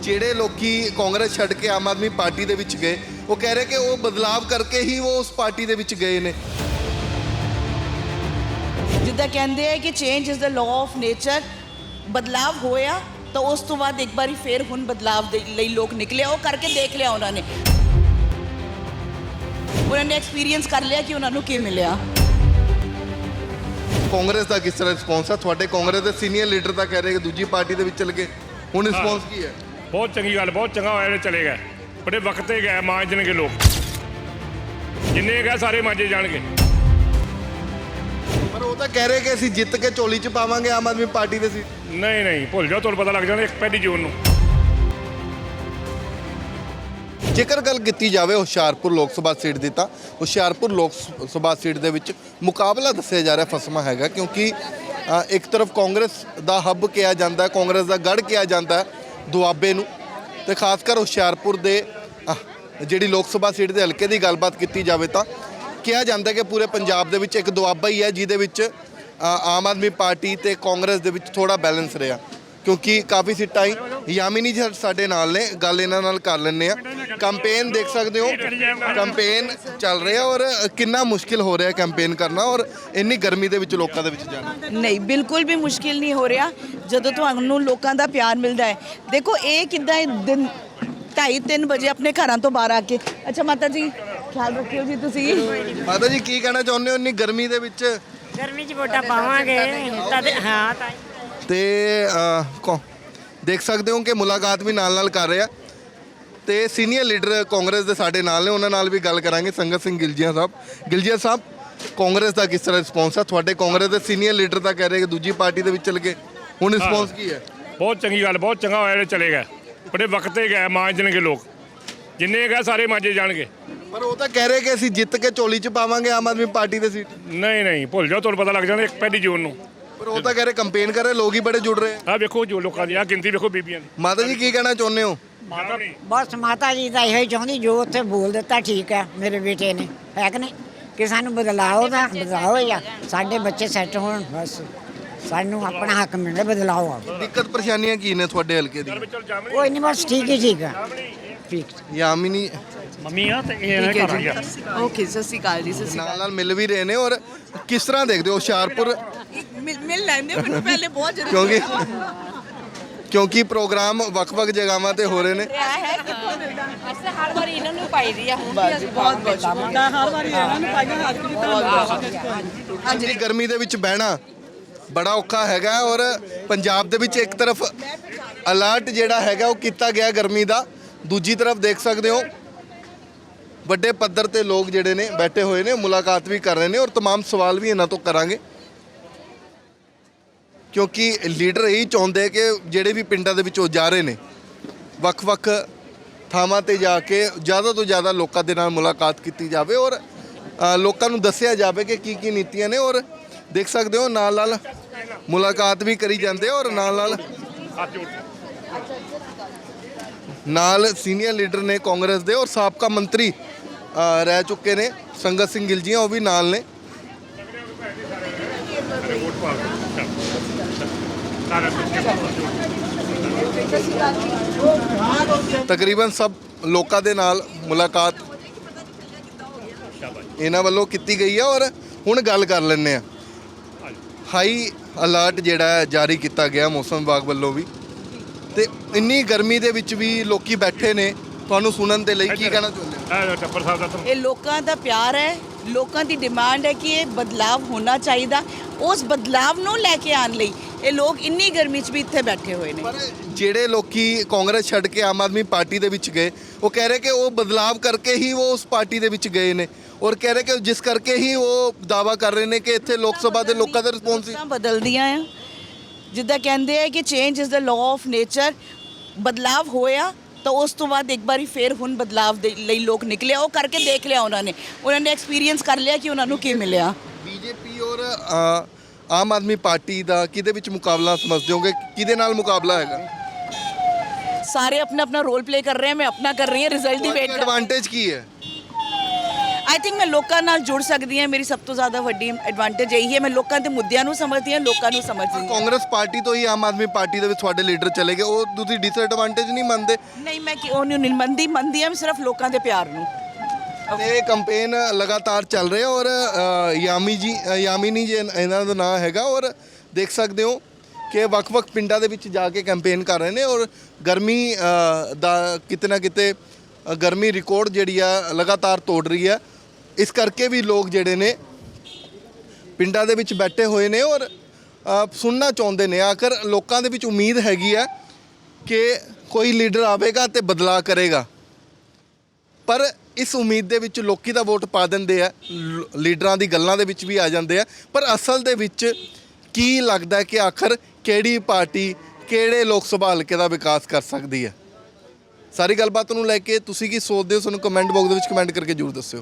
ਜਿਹੜੇ ਲੋਕੀ ਕਾਂਗਰਸ ਛੱਡ ਕੇ ਆਮ ਆਦਮੀ ਪਾਰਟੀ ਦੇ ਵਿੱਚ ਗਏ ਉਹ ਕਹਿ ਰਹੇ ਕਿ ਉਹ ਬਦਲਾਵ ਕਰਕੇ ਹੀ ਉਹ ਉਸ ਪਾਰਟੀ ਦੇ ਵਿੱਚ ਗਏ ਨੇ। ਜਿੱਦਾਂ ਕਹਿੰਦੇ ਆ ਕਿ change is the law of nature, ਬਦਲਾਵ ਹੋਇਆ ਤਾਂ ਉਸ ਤੋਂ ਬਾਅਦ ਇੱਕ ਵਾਰੀ ਫੇਰ ਹੁਣ ਬਦਲਾਵ ਦੇ ਲਈ ਲੋਕ ਨਿਕਲੇ, ਉਹ ਕਰਕੇ ਦੇਖ ਲਿਆ ਉਹਨਾਂ ਨੇ ਐਕਸਪੀਰੀਅੰਸ ਕਰ ਲਿਆ ਕਿ ਉਹਨਾਂ ਨੂੰ ਕੀ ਮਿਲਿਆ। ਕਾਂਗਰਸ ਦਾ ਕਿਸ ਤਰ੍ਹਾਂ ਰਿਸਪੌਂਸ ਆ? ਤੁਹਾਡੇ ਕਾਂਗਰਸ ਦੇ ਸੀਨੀਅਰ ਲੀਡਰ ਤਾਂ ਕਹਿ ਰਹੇ ਕਿ ਦੂਜੀ ਪਾਰਟੀ ਦੇ ਵਿੱਚ ਚਲ ਗਏ, ਹੁਣ ਰਿਸਪੌਂਸ ਕੀ ਹੈ? ਬਹੁਤ ਚੰਗੀ ਗੱਲ, ਬਹੁਤ ਚੰਗਾ ਹੋਇਆ ਜਿਹੜੇ ਚਲੇ ਗਏ। ਬੜੇ ਵਕਤ ਤੇ ਗਏ, ਮਾਂਜਣਗੇ ਲੋਕ, ਜਿੰਨੇ ਗਏ ਸਾਰੇ ਮਾਂਜੇ ਜਾਣਗੇ। ਪਰ ਉਹ ਤਾਂ ਕਹਿ ਰਹੇ ਕਿ ਅਸੀਂ ਜਿੱਤ ਕੇ ਝੋਲੀ 'ਚ ਪਾਵਾਂਗੇ ਆਮ ਆਦਮੀ ਪਾਰਟੀ ਦੇ ਸੀ। ਨਹੀਂ ਨਹੀਂ, ਭੁੱਲ ਜਾਓ, ਤੁਹਾਨੂੰ ਪਤਾ ਲੱਗ ਜਾਣਾ 1 ਜੂਨ ਨੂੰ। ਜੇਕਰ ਗੱਲ ਕੀਤੀ ਜਾਵੇ ਹੁਸ਼ਿਆਰਪੁਰ ਲੋਕ ਸਭਾ ਸੀਟ ਦੀ, ਤਾਂ ਹੁਸ਼ਿਆਰਪੁਰ ਲੋਕ ਸਭਾ ਸੀਟ ਦੇ ਵਿੱਚ ਮੁਕਾਬਲਾ ਦੱਸਿਆ ਜਾ ਰਿਹਾ ਫਸਮਾ ਹੈਗਾ, ਕਿਉਂਕਿ ਇੱਕ ਤਰਫ ਕਾਂਗਰਸ ਦਾ ਹੱਬ ਕਿਹਾ ਜਾਂਦਾ, ਕਾਂਗਰਸ ਦਾ ਗੜ੍ਹ ਕਿਹਾ ਜਾਂਦਾ ਦੁਆਬੇ ਨੂੰ, ਤੇ ਖਾਸ ਕਰ ਹੁਸ਼ਿਆਰਪੁਰ ਦੇ ਜਿਹੜੀ ਲੋਕ ਸਭਾ ਸੀਟ ਦੇ ਹਲਕੇ ਦੀ ਗੱਲਬਾਤ ਕੀਤੀ ਜਾਵੇ ਤਾਂ ਕਿਹਾ ਜਾਂਦਾ ਕਿ ਪੂਰੇ ਪੰਜਾਬ ਦੇ ਵਿੱਚ ਇੱਕ ਦੁਆਬਾ ਹੀ ਹੈ ਜਿਹਦੇ ਵਿੱਚ ਆਮ ਆਦਮੀ ਪਾਰਟੀ ਤੇ ਕਾਂਗਰਸ ਦੇ ਵਿੱਚ ਥੋੜਾ ਬੈਲੈਂਸ ਰਿਹਾ, ਕਿਉਂਕਿ ਕਾਫੀ ਸੀਟਾਂ ਹੀ ਯਾਮਿਨੀ ਜੀ ਸਾਡੇ ਨਾਲ ਨੇ, ਗੱਲ ਇਹਨਾਂ ਨਾਲ ਕਰ ਲੈਂਦੇ ਆ। ਕੈਂਪੇਨ ਦੇਖ ਸਕਦੇ ਹੋ, ਕੈਂਪੇਨ ਚੱਲ ਰਿਹਾ ਔਰ ਕਿੰਨਾ ਮੁਸ਼ਕਿਲ ਹੋ ਰਿਹਾ ਕੈਂਪੇਨ ਕਰਨਾ ਔਰ ਇੰਨੀ ਗਰਮੀ ਦੇ ਵਿੱਚ ਲੋਕਾਂ ਦੇ ਵਿੱਚ ਜਾਣਾ। ਨਹੀਂ, ਬਿਲਕੁਲ ਵੀ ਮੁਸ਼ਕਿਲ ਨਹੀਂ ਹੋ ਰਿਹਾ ਜਦੋਂ ਤੁਹਾਨੂੰ ਲੋਕਾਂ ਦਾ ਪਿਆਰ ਮਿਲਦਾ ਹੈ। ਦੇਖੋ ਇਹ ਕਿੱਦਾਂ ਦਿਨ 2:30-3 ਵਜੇ ਆਪਣੇ ਘਰਾਂ ਤੋਂ ਬਾਹਰ ਆ ਕੇ। ਅੱਛਾ ਮਾਤਾ ਜੀ, ਖਿਆਲ ਰੱਖਿਓ ਜੀ ਤੁਸੀਂ। ਮਾਤਾ ਜੀ ਕੀ ਕਹਿਣਾ ਚਾਹੁੰਦੇ ਹੋ ਇੰਨੀ ਗਰਮੀ ਦੇ ਵਿੱਚ? ਗਰਮੀ 'ਚ ਵੋਟਾਂ ਪਾਵਾਂਗੇ ਹਾਂ ਤਾਂ ਤੇ ਦੇਖ ਸਕਦੇ ਹੋ ਕਿ ਮੁਲਾਕਾਤ ਵੀ ਨਾਲ ਕਰ ਰਿਹਾ ਤੇ ਸੀਨੀਅਰ ਲੀਡਰ ਕਾਂਗਰਸ ਦੇ ਸਾਡੇ ਨਾਲ ਨੇ, ਉਹਨਾਂ ਨਾਲ ਵੀ ਗੱਲ ਕਰਾਂਗੇ। ਸੰਗਤ ਸਿੰਘ ਗਿਲਜੀਆ ਸਾਹਿਬ, ਕਾਂਗਰਸ ਦਾ ਕਿਸ ਤਰ੍ਹਾਂ ਰਿਸਪੌਂਸ ਆ? ਤੁਹਾਡੇ ਕਾਂਗਰਸ ਦੇ ਸੀਨੀਅਰ ਲੀਡਰ ਤਾਂ ਕਹਿ ਰਹੇ ਕਿ ਦੂਜੀ ਪਾਰਟੀ ਦੇ ਵਿੱਚ ਚਲ ਗਏ, ਹੁਣ ਰਿਸਪੌਂਸ ਕੀ ਹੈ? ਬਹੁਤ ਚੰਗੀ ਗੱਲ, ਬਹੁਤ ਚੰਗਾ ਹੋਇਆ ਜਿਹੜੇ ਚਲੇ ਗਏ। ਬੜੇ ਵਕਤ ਤੇ ਗਏ, ਮਾਂਜਣਗੇ ਲੋਕ, ਜਿੰਨੇ ਗਏ ਸਾਰੇ ਮਾਂਜੇ ਜਾਣਗੇ। ਪਰ ਉਹ ਤਾਂ ਕਹਿ ਰਹੇ ਕਿ ਅਸੀਂ ਜਿੱਤ ਕੇ ਝੋਲੀ 'ਚ ਪਾਵਾਂਗੇ ਆਮ ਆਦਮੀ ਪਾਰਟੀ ਦੇ ਸੀਟ। ਨਹੀਂ ਨਹੀਂ, ਭੁੱਲ ਜਾਓ, ਤੁਹਾਨੂੰ ਪਤਾ ਲੱਗ ਜਾਣਾ 1 ਜੂਨ ਨੂੰ। ਪਰ ਉਹ ਤਾਂ ਕਹਿ ਰਹੇ ਕੈਂਪੇਨ ਕਰ ਰਹੇ, ਲੋਕ ਹੀ ਬੜੇ ਜੁੜ ਰਹੇ ਆ। ਆਹ ਵੇਖੋ ਜੋ ਲੋਕਾਂ ਦੀ ਆਹ ਗਿਣਤੀ ਵੇਖੋ ਬੀਬੀਆਂ ਦੀ। ਮਾਤਾ ਜੀ ਕੀ ਕਹਿਣਾ ਚਾਹੁੰਦੇ ਹੋ? ਬਸ ਮਾਤਾ ਜੀ ਤਾਂ ਇਹੋ ਹੀ ਚਾਹੁੰਦੀ, ਜੋ ਉੱਥੇ ਬੋਲ ਦਿੱਤਾ ਠੀਕ ਹੈ ਮੇਰੇ ਬੇਟੇ ਨੇ, ਹੈ ਕਿ ਨਹੀਂ, ਕਿ ਸਾਨੂੰ ਬਦਲਾਓ ਜਾਂ ਸਾਡੇ ਬੱਚੇ ਸੈੱਟ ਹੋਣ, ਬਸ ਸਾਨੂੰ ਆਪਣਾ ਹੱਕ ਮਿਲੇ, ਬਦਲਾਓ ਆਵੇ। ਦਿੱਕਤ ਪਰੇਸ਼ਾਨੀਆਂ ਕੀ ਨੇ ਤੁਹਾਡੇ ਹਲਕੇ ਦੀ? ਕੋਈ ਨਹੀਂ, ਬਸ ਠੀਕ ਹੈ ਠੀਕ। ਯਾਮਿਨੀ ਮੰਮੀ ਆ ਤੇ ਇਹ ਨਾ ਘਰ ਆ। ਓਕੇ, ਸਤਿ ਸ਼੍ਰੀ ਅਕਾਲ ਜੀ। ਸਤਿ ਸ਼੍ਰੀ ਨਾਲ ਮਿਲ ਵੀ ਰਹੇ ਨੇ ਔਰ ਕਿਸ ਤਰ੍ਹਾਂ ਦੇਖਦੇ ਹੋ ਹੁਸ਼ਿਆਰਪੁਰ? ਮਿਲ ਲੈਂਦੇ ਮੈਨੂੰ ਪਹਿਲੇ, ਬਹੁਤ ਜ਼ਰੂਰੀ ਕਿਉਂਕਿ ਪ੍ਰੋਗਰਾਮ ਵੱਖ-ਵੱਖ ਜਗ੍ਹਾਵਾਂ ਤੇ ਹੋ ਰਹੇ ਨੇ। ਅਸੀਂ ਹਰ ਵਾਰੀ ਇਹਨਾਂ ਨੂੰ ਪਾਈਦੀ ਆ, ਹੁਣ ਵੀ ਅਸੀਂ ਬਹੁਤ ਸ਼ੁਕਰੀਆ, ਹਰ ਵਾਰੀ ਇਹਨਾਂ ਨੂੰ ਪਾਈਆਂ ਹਾਂਜੀ, ਗਰਮੀ ਦੇ ਵਿੱਚ ਬਹਿਣਾ ਬੜਾ ਔਖਾ ਹੈਗਾ ਔਰ ਪੰਜਾਬ ਦੇ ਵਿੱਚ ਇੱਕ ਤਰਫ ਅਲਰਟ ਜਿਹੜਾ ਹੈਗਾ ਉਹ ਕੀਤਾ ਗਿਆ ਗਰਮੀ ਦਾ, ਦੂਜੀ ਤਰਫ ਦੇਖ ਸਕਦੇ ਹੋ ਵੱਡੇ ਪੱਧਰ ਤੇ ਲੋਕ ਜਿਹੜੇ ਨੇ ਬੈਠੇ ਹੋਏ ਨੇ, ਮੁਲਾਕਾਤ ਵੀ ਕਰ ਰਹੇ ਨੇ ਔਰ तमाम ਸਵਾਲ ਵੀ ਇਹਨਾਂ ਤੋਂ ਕਰਾਂਗੇ, ਕਿਉਂਕਿ ਲੀਡਰ ਇਹੀ ਚਾਹੁੰਦੇ ਕਿ ਜਿਹੜੇ ਵੀ ਪਿੰਡਾਂ ਦੇ ਵਿੱਚ ਉਹ ਜਾ ਰਹੇ ਨੇ ਵੱਖ-ਵੱਖ ਥਾਵਾਂ ਤੇ ਜਾ ਕੇ ਜ਼ਿਆਦਾ ਤੋਂ ਜ਼ਿਆਦਾ ਲੋਕਾਂ ਦੇ ਨਾਲ ਮੁਲਾਕਾਤ ਕੀਤੀ ਜਾਵੇ ਔਰ ਲੋਕਾਂ ਨੂੰ ਦੱਸਿਆ ਜਾਵੇ ਕਿ ਕੀ ਨੀਤੀਆਂ ਨੇ। ਔਰ ਦੇਖ ਸਕਦੇ ਹੋ ਨਾਲ ਮੁਲਾਕਾਤ ਵੀ ਕਰੀ ਜਾਂਦੇ ਔਰ ਨਾਲ ਸੀਨੀਅਰ ਲੀਡਰ ਨੇ ਕਾਂਗਰਸ ਦੇ ਔਰ ਸਾਬਕਾ ਮੰਤਰੀ ਰਹਿ ਚੁੱਕੇ ਨੇ ਸੰਗਤ ਸਿੰਘ ਗਿਲਜੀਆ, ਉਹ ਵੀ ਨਾਲ ਨੇ। ਤਕਰੀਬਨ ਸਭ ਲੋਕਾਂ ਦੇ ਨਾਲ ਮੁਲਾਕਾਤ ਇਹਨਾਂ ਵੱਲੋਂ ਕੀਤੀ ਗਈ ਹੈ ਔਰ ਹੁਣ ਗੱਲ ਕਰ ਲੈਂਦੇ ਆ। ਹਾਈ ਅਲਰਟ ਜਿਹੜਾ ਹੈ ਜਾਰੀ ਕੀਤਾ ਗਿਆ ਮੌਸਮ ਵਿਭਾਗ ਵੱਲੋਂ ਵੀ, ਤੇ ਇੰਨੀ ਗਰਮੀ ਦੇ ਵਿੱਚ ਵੀ ਲੋਕੀ ਬੈਠੇ ਨੇ, ਤੁਹਾਨੂੰ ਸੁਣਨ ਦੇ ਲਈ ਕੀ ਕਹਿਣਾ ਚਾਹੁੰਦੇ ਹੋ? ਇਹ ਲੋਕਾਂ ਦਾ ਪਿਆਰ ਹੈ, ਲੋਕਾਂ ਦੀ ਡਿਮਾਂਡ ਹੈ ਕਿ ਇਹ ਬਦਲਾਵ ਹੋਣਾ ਚਾਹੀਦਾ। ਉਸ ਬਦਲਾਵ ਨੂੰ ਲੈ ਕੇ ਆਉਣ ਲਈ ਇਹ ਲੋਕ ਇੰਨੀ ਗਰਮੀ 'ਚ ਵੀ ਇੱਥੇ ਬੈਠੇ ਹੋਏ ਨੇ। ਪਰ ਜਿਹੜੇ ਲੋਕੀ ਕਾਂਗਰਸ ਛੱਡ ਕੇ ਆਮ ਆਦਮੀ ਪਾਰਟੀ ਦੇ ਵਿੱਚ ਗਏ ਉਹ ਕਹਿ ਰਹੇ ਕਿ ਉਹ ਬਦਲਾਵ ਕਰਕੇ ਹੀ ਉਹ ਉਸ ਪਾਰਟੀ ਦੇ ਵਿੱਚ ਗਏ ਨੇ ਔਰ ਕਹਿ ਰਹੇ ਕਿ ਜਿਸ ਕਰਕੇ ਹੀ ਉਹ ਦਾਅਵਾ ਕਰ ਰਹੇ ਨੇ ਕਿ ਇੱਥੇ ਲੋਕ ਸਭਾ ਦੇ ਲੋਕਾਂ ਦਾ ਰਿਸਪੌਂਸ ਸੀ। ਬਦਲਦੀਆਂ ਆ, ਜਿੱਦਾਂ ਕਹਿੰਦੇ ਆ ਕਿ change is the law of nature, ਬਦਲਾਵ ਹੋਇਆ ਤਾਂ ਉਸ ਤੋਂ ਬਾਅਦ ਇੱਕ ਵਾਰੀ ਫੇਰ ਹੁਣ ਬਦਲਾਵ ਦੇ ਲਈ ਲੋਕ ਨਿਕਲੇ, ਉਹ ਕਰਕੇ ਦੇਖ ਲਿਆ ਉਹਨਾਂ ਨੇ ਐਕਸਪੀਰੀਅੰਸ ਕਰ ਲਿਆ ਕਿ ਉਹਨਾਂ ਨੂੰ ਕੀ ਮਿਲਿਆ। ਬੀਜੇਪੀ ਔਰ ਆਮ ਆਦਮੀ ਪਾਰਟੀ ਦਾ ਕਿਹਦੇ ਵਿੱਚ ਮੁਕਾਬਲਾ ਸਮਝਦੇ ਹੋਗੇ? ਕਿਹਦੇ ਨਾਲ ਮੁਕਾਬਲਾ ਹੈਗਾ? ਸਾਰੇ ਆਪਣਾ ਆਪਣਾ ਰੋਲ ਪਲੇ ਕਰ ਰਹੇ हैं, मैं अपना कर रही हूँ, रिजल्ट की वेट। एडवांटेज की है? ਆਈ ਥਿੰਕ ਮੈਂ ਲੋਕਾਂ ਨਾਲ ਜੁੜ ਸਕਦੀ ਹਾਂ। ਮੇਰੀ ਸਭ ਤੋਂ ਜ਼ਿਆਦਾ ਵੱਡੀ ਐਡਵਾਂਟੇਜ ਇਹੀ ਹੈ, ਮੈਂ ਲੋਕਾਂ ਦੇ ਮੁੱਦਿਆਂ ਨੂੰ ਸਮਝਦੀ ਹਾਂ, ਲੋਕਾਂ ਨੂੰ ਸਮਝਦੀ ਹਾਂ। ਕਾਂਗਰਸ ਪਾਰਟੀ ਤੋਂ ਹੀ ਆਮ ਆਦਮੀ ਪਾਰਟੀ ਦੇ ਵਿੱਚ ਤੁਹਾਡੇ ਲੀਡਰ ਚਲੇ ਗਏ, ਉਹ ਤੁਸੀਂ ਡਿਸਐਡਵਾਂਟੇਜ ਨਹੀਂ ਮੰਨਦੇ? ਨਹੀਂ, ਮੈਂ ਉਹਨੂੰ ਨਹੀਂ ਮੰਨਦੀ ਹਾਂ, ਮੈਂ ਸਿਰਫ ਲੋਕਾਂ ਦੇ ਪਿਆਰ ਨੂੰ। ਇਹ ਕੈਂਪੇਨ ਲਗਾਤਾਰ ਚੱਲ ਰਿਹਾ ਔਰ ਯਾਮਿਨੀ ਜੀ ਇਹਨਾਂ ਦਾ ਨਾਮ ਹੈਗਾ ਔਰ ਦੇਖ ਸਕਦੇ ਹੋ ਕਿ ਵੱਖ-ਵੱਖ ਪਿੰਡਾਂ ਦੇ ਵਿੱਚ ਜਾ ਕੇ ਕੈਂਪੇਨ ਕਰ ਰਹੇ ਨੇ ਔਰ ਗਰਮੀ ਦਾ ਕਿਤੇ ਨਾ ਕਿਤੇ ਗਰਮੀ ਰਿਕਾਰਡ ਜਿਹੜੀ ਆ ਲਗਾਤਾਰ ਤੋੜ ਰਹੀ ਹੈ। ਇਸ ਕਰਕੇ ਵੀ ਲੋਕ ਜਿਹੜੇ ਨੇ ਪਿੰਡਾਂ ਦੇ ਵਿੱਚ ਬੈਠੇ ਹੋਏ ਨੇ ਔਰ ਸੁਣਨਾ ਚਾਹੁੰਦੇ ਨੇ। ਆਖਰ ਲੋਕਾਂ ਦੇ ਵਿੱਚ ਉਮੀਦ ਹੈਗੀ ਹੈ ਕਿ ਕੋਈ ਲੀਡਰ ਆਵੇਗਾ ਤੇ ਬਦਲਾਅ ਕਰੇਗਾ, ਪਰ ਇਸ ਉਮੀਦ ਦੇ ਵਿੱਚ ਲੋਕੀ ਦਾ ਵੋਟ ਪਾ ਦਿੰਦੇ ਆ, ਲੀਡਰਾਂ ਦੀ ਗੱਲਾਂ ਦੇ ਵਿੱਚ ਵੀ ਆ ਜਾਂਦੇ ਆ, ਪਰ ਅਸਲ ਦੇ ਵਿੱਚ ਕੀ ਲੱਗਦਾ ਕਿ ਆਖਰ ਕਿਹੜੀ ਪਾਰਟੀ ਕਿਹੜੇ ਲੋਕ ਸਭਾ ਹਲਕੇ ਦਾ ਵਿਕਾਸ ਕਰ ਸਕਦੀ ਹੈ? ਸਾਰੀ ਗੱਲਬਾਤ ਨੂੰ ਲੈ ਕੇ ਤੁਸੀਂ ਕੀ ਸੋਚਦੇ ਹੋ? ਸਾਨੂੰ ਕਮੈਂਟ ਬਾਕਸ ਦੇ ਵਿੱਚ ਕਮੈਂਟ ਕਰਕੇ ਜ਼ਰੂਰ ਦੱਸਿਓ।